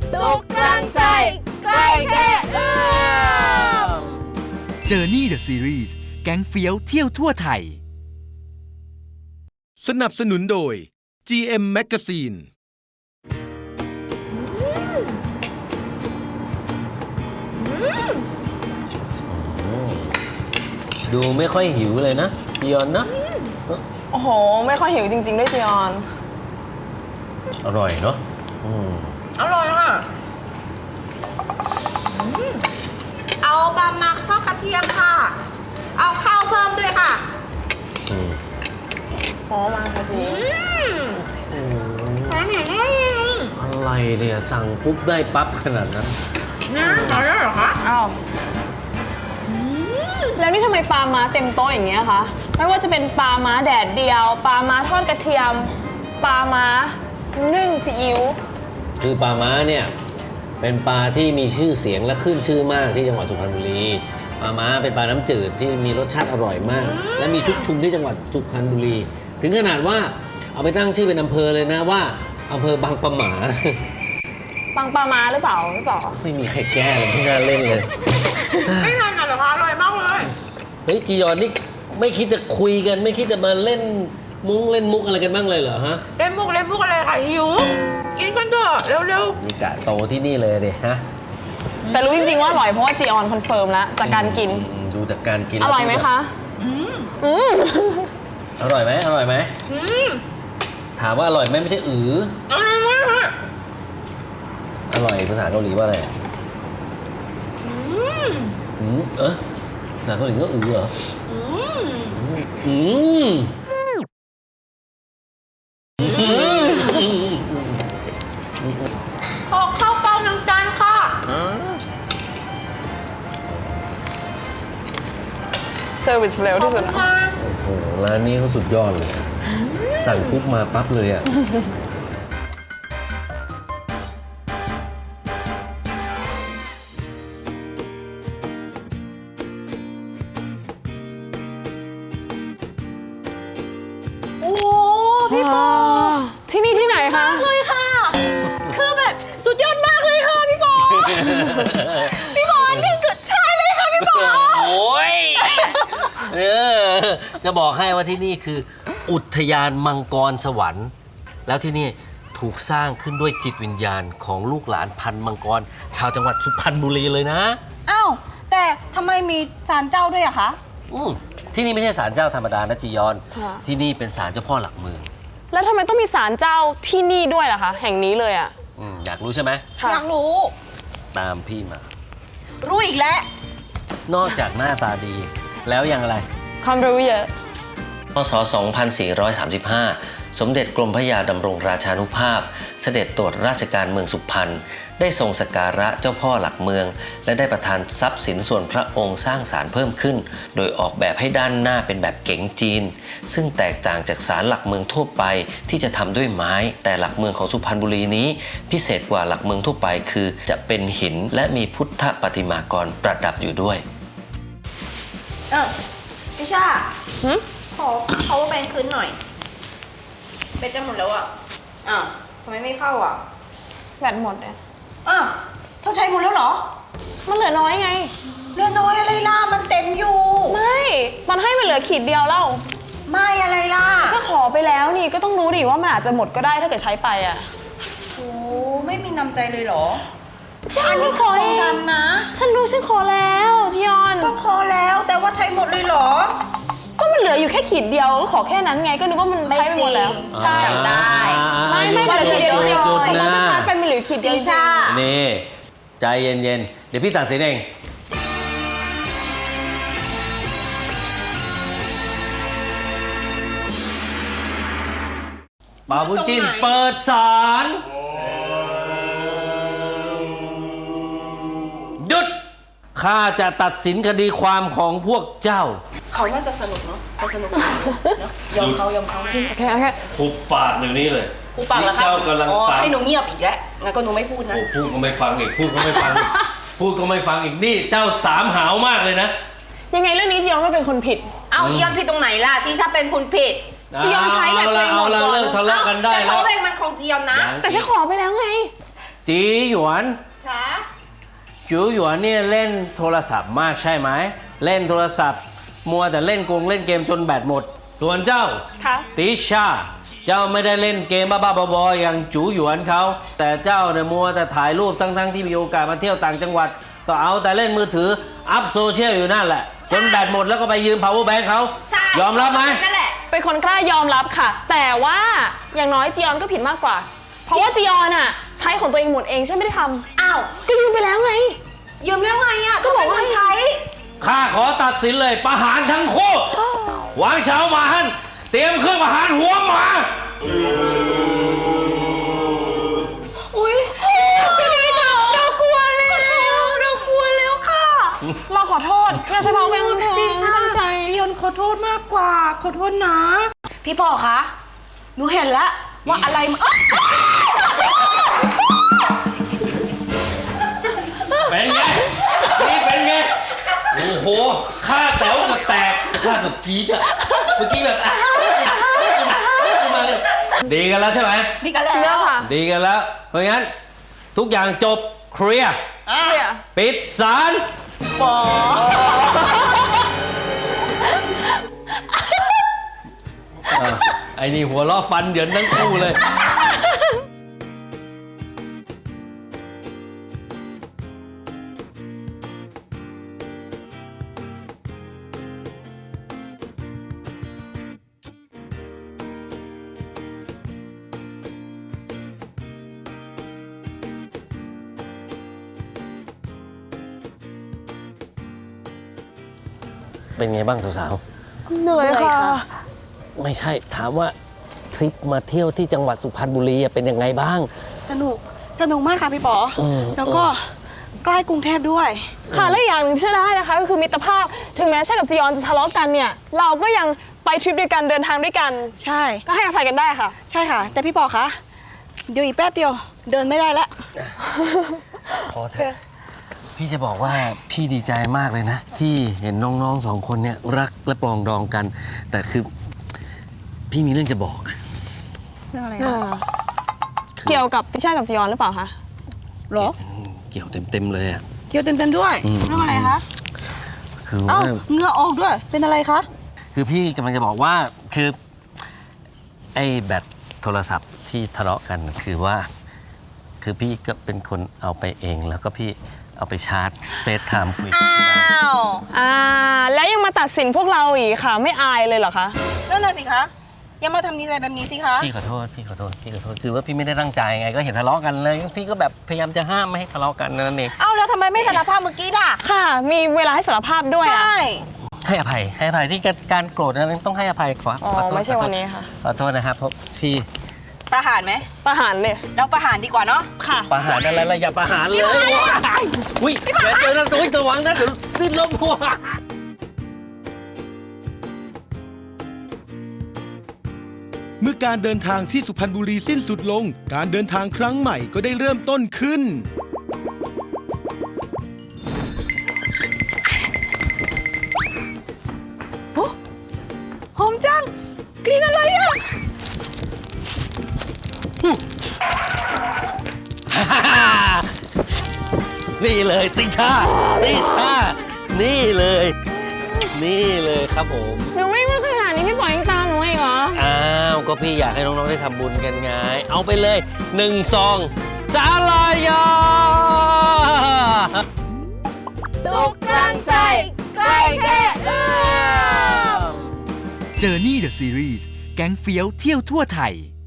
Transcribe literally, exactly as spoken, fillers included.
สุขกลางใจใกล้แค่เอื้อม Journey the Series แก๊งเฟี้ยวเที่ยวทั่วไทยสนับสนุนโดย จี เอ็ม Magazine ดูไม่ค่อยหิวเลยนะจียอนนะโอ้โหไม่ค่อยหิวจริงๆด้วยจียอนอร่อยเนาะอร่อยค่ะเอาปลาหมักทอดกระเทียมค่ะเอาข้าวเพิ่มด้วยค่ะหอมมากค่ะพี่อะไรเนี่ยสั่งปุ๊บได้ปั๊บขนาดนั้นนะอร่อยเหรอคะอ้าวแล้วนี่ทำไมปลาม้าเต็มโต๊ะอย่างเงี้ยคะไม่ว่าจะเป็นปลาม้าแดดเดียวปลาม้าทอดกระเทียมปลาม้านึ่งซีอิ๊วคือปลาม้าเนี่ยเป็นปลาที่มีชื่อเสียงและขึ้นชื่อมากที่จังหวัดสุพรรณบุรีปลาม้าเป็นปลาน้ำจืดที่มีรสชาติอร่อยมากและมีชุกชุมที่จังหวัดสุพรรณบุรีถึงขนาดว่าเอาไปตั้งชื่อเป็นอำเภอเลยนะว่าอำเภอบางปะหมาบางปลาม้าหรือเปล่าหรือเปล่าไม่มีใครแก้เลยไม่น่าเล่นเลยไม่ทานกันเหรอคะอร่อยมากเลยเฮ้ยจียอนนี่ไม่คิดจะคุยกันไม่คิดจะมาเล่นมุ้งเล่นมุกอะไรกันบ้างเลยเหรอฮะเล่นมุกเล่นมุกอะไรค่ะหิวกินกันเถอะเร็วๆมีกะโตที่นี่เลยเด็ฮะแต่รู้จริงๆว่าอร่อยเพราะว่าจีออนคอนเฟิร์มแล้วจากการกินดูจากการกินอร่อยไหมคะอืมอืมอร่อยไหมอร่อยไหมอืมถามว่าอร่อยไหมไม่ใช่อืออร่อยมากอร่อยภาษาเกาหลีว่าอะไรอืมอืมเออภาษาเกาหลีก็อือเหรออืมอืมขอข้าวเปล่าหนึ่งจานค่ะเซอร์วิสเร็วที่สุดนะโอ้โหร้านนี้เขาสุดยอดเลยสั่งปุ๊บมาปั๊บเลยอ่ะโอ้พี่ปอที่นี่ที่ไหนคะเลยค่ะคือแบบสุดยอดมากเลยค่ะพี่ปอพี่ปอนี่เกิดใช่เลยค่ะพี่ปอโอ้ยเออจะบอกให้ว่าที่นี่คืออุทยานมังกรสวรรค์แล้วที่นี่ถูกสร้างขึ้นด้วยจิตวิญญาณของลูกหลานพันธุ์มังกรชาวจังหวัดสุพรรณบุรีเลยนะอ้าวแต่ทำไมมีศาลเจ้าด้วยอะคะอืมที่นี่ไม่ใช่ศาลเจ้าธรรมดานะจียอนที่นี่เป็นศาลเจ้าพ่อหลักเมืองแล้วทำไมต้องมีศาลเจ้าที่นี่ด้วยล่ะคะแห่งนี้เลยอ่ะอืมอยากรู้ใช่ไหมอยากรู้ตามพี่มารู้อีกแล้วนอกจากหน้าตาดีแล้วยังอะไรความรู้เยอะพ.ศ. สองพันสี่ร้อยสามสิบห้า สมเด็จกรมพระยาดำรงราชานุภาพเสด็จตรวจราชการเมืองสุพรรณได้ทรงสักการะเจ้าพ่อหลักเมืองและได้ประทานทรัพย์สินส่วนพระองค์สร้างศาลเพิ่มขึ้นโดยออกแบบให้ด้านหน้าเป็นแบบเก๋งจีนซึ่งแตกต่างจากศาลหลักเมืองทั่วไปที่จะทำด้วยไม้แต่หลักเมืองของสุพรรณบุรีนี้พิเศษกว่าหลักเมืองทั่วไปคือจะเป็นหินและมีพุทธปฏิมากรประดับอยู่ด้วยเออพี่ชาขอเขาแบงคืนหน่อยแบตจะหมดแล้วอ่ะอ้าวทำไมไม่เข้าอ่ะแบตหมดเนี่ยอ้าวเธอใช้หมดแล้วเหรอมันเหลือน้อยไงเหลือน้อยอะไรล่ะมันเต็มอยู่ไม่มันให้มันเหลือขีดเดียวแล้วไม่อะไรล่ะถ้าขอไปแล้วนี่ก็ต้องรู้ดิว่ามันอาจจะหมดก็ได้ถ้าเกิดใช้ไปอ่ะโอ้ไม่มีน้ำใจเลยเหรอฉันนี่ขอของฉันนะฉันรู้ฉันขอแล้วชิยอนก็ขอแล้วแต่ว่าใช้หมดเลยเหรอก็มันเหลืออยู่แค่ขีดเดียวก็ขอแค่นั้นไงก็นึกว่ามันใช้ไปหมดแล้วใช่ได้ไม่ไม่เหลือขีดเดียวเลยมันจะชาร์จไปมันเหลือขีดเดียวใช่นี่ใจเย็นๆเดี๋ยวพี่ตัดสินเองป่าวบุญจินเปิดศาลหยุดข้าจะตัดสินคดีความของพวกเจ้าเขาน่าจะสนุกเนาะเขาสนุกเนาะยอมเขายอมเขาโอเคโอเคหุบปากเดี๋ยวนี้เลยหุบปากแล้วครับเจ้ากำลังฟังให้หนูเงียบอีกแล้วงั้นก็หนูไม่พูดนะพูดก็ไม่ฟังอีกพูดก็ไม่ฟังพูดก็ไม่ฟังอีกนี่เจ้าสามหาวมากเลยนะยังไงเรื่องนี้จียอนก็เป็นคนผิดเอาจียอนผิดตรงไหนล่ะจีชาเป็นคนผิดจียอนใช้แบบเอาละเอาละเลิกทะเลาะกันได้แล้วแต่เขาเป็นมันของจียอนนะแต่ฉันขอไปแล้วไงจตีหยวนค่ะจูหยวนเนี่ยเล่นโทรศัพท์มากใช่ไหมเล่นโทรศัพท์ มัวแต่เล่นกงเล่นเกมจนแบตหมด ส่วนเจ้าค่ะติชาเจ้าไม่ได้เล่นเกมบ้าๆบอๆอย่างจูหยวนเขาแต่เจ้าเนี่ยมัวแต่ถ่ายรูปทั้งๆที่มีโอกาสมาเที่ยวต่างจังหวัดก็เอาแต่เล่นมือถืออัพโซเชียลอยู่นั่นแหละจนแบตหมดแล้วก็ไปยืม power bank เขาใช่ยอมรับไหมนั่นแหละเป็นคนกล้ายอมรับค่ะ แต่ว่าอย่างน้อยจียอนก็ผิดมากกว่า เพราะว่าจียอนอ่ะใช้ของตัวเองหมดเองใช่ไม่ได้ทอ้าวำก็ยืมไปแล้วไงยืมแล้วไงอ่ะก็บอกว่าเป็นคนใช้ข้าขอตัดสินเลยประหารทั้งคู่หวางเฉาหมาฮันเตรียมเครื่องประหารหัวหมาอุ้ยเรากลัวแล้วเรากลัวแล้วค่ะเราขอโทษอย่าใช้เพราะเป็นคนจีไม่ชาตั้งใจจียอนขอโทษมากกว่า ขอโทษนะ พี่ปอคะหนูเห็นแล้วว่าอะไรมันอ๊ะเป็นไงนี่เป็นไงโอ้โหข้าแต๋วกับแตกข้ากับกรี๊ดอะเมื่อกี้แบบอ่ะขึ้นมาเลยดีกันแล้วใช่ไหมนี่กันแล้วเลือกค่ะดีกันแล้ว เพราะงั้นทุกอย่างจบเคลียร์เคลียร์ปิดศาลปออ่ะไอ้นี่หัวล้อฟันเหยินทั้งคู่เลย เป็นไงบ้างสาวเหนื่อยค่ะๆ ไม่ใช่ถามว่าทริปมาเที่ยวที่จังหวัดสุพรรณบุรีอะเป็นยังไงบ้างสนุก สนุกมากค่ะพี่ปออืมแล้วก็ใกล้กรุงเทพด้วยค่ะและอีกอย่างหนึ่งที่ได้นะคะก็คือมิตรภาพถึงแม้ใช่กับจียอนจะทะเลาะกันเนี่ยเราก็ยังไปทริปด้วยกันเดินทางด้วยกันใช่ก็ให้อภัยกันได้ค่ะใช่ค่ะ แต่พี่ปอคะเดี๋ยวอีกแป๊บเดียว เดินไม่ได้แล้วพอเถอะพี่จะบอกว่าพี่ดีใจมากเลยนะ ที่เห็นน้องๆสองคนเนี่ยรักและปรองดองกัน แต่คือพี่มีเรื่องจะบอกเรื่องอะไรอ่าเกี่ยวกับพี่ชายกับจียอนหรือเปล่าคะหรอเกี่ยวเต็มๆเลยอ่ะเกี่ยวเต็มๆด้วยอืมเรื่องอะไรคะคือเอ้าว่าเหงื่อออกด้วย เป็นอะไรคะคือพี่กำลังจะบอกว่าคือไอ้แบตโทรศัพท์ที่ทะเลาะกันคือว่า คือพี่ก็เป็นคนเอาไปเองแล้วก็พี่เอาไปชาร์จเฟซไทม์คุยกับที่บ้านอ้าวอ่าแล้วยังมาตัดสินพวกเราอีกค่ะ ไม่อายเลยเหรอคะนั่นน่ะสิคะ อย่ามาทำนิสัยแบบนี้สิคะพี่ขอโทษพี่ขอโทษพี่ขอโทษคือว่าพี่ไม่ได้ตั้งใจไงก็เห็นทะเลาะกันเลยพี่ก็แบบพยายามจะห้ามไม่ให้ทะเลาะกันนั่นเองเอ้าแล้วทำไมไม่สารภาพเมื่อกี้ล่ะค่ะ มีเวลาให้สารภาพด้วยใชอะ่ให้อภัยให้อภัยที่การโกรธนั้นต้องให้อภัยขออ๋อขอโทษไม่ใช่วันนี้ค่ะขอโทษนะครับเพราะพี่ประหารไหมประหารเลยเราประหารดีกว่าเนาะค่ะประหารอะไรล่ะอย่าประหารเลยอุ้ยเดี๋ยวเจอแล้วตัวระวังนะเดี๋ยวดิ้นล้มหัวเมื่อการเดินทางที่สุพรรณบุรีสิ้นสุดลง การเดินทางครั้งใหม่ก็ได้เริ่มต้นขึ้นหอมจัง กลิ่นอะไรอ่ะนี่เลยติชาติชานี่เลย นี่เลยครับผมหนูวิ่งมาขนาดนี้พี่ปล่อยยังตามหนูอีกเหรออ้าวก็พี่อยากให้น้องๆได้ทำบุญกันไงเอาไปเลยหนึ่งซองสาลายาสุขกลางใจ ใกล้แค่เอื้อม Journey the Series แก๊งเฟี้ยวเที่ยวทั่วไทย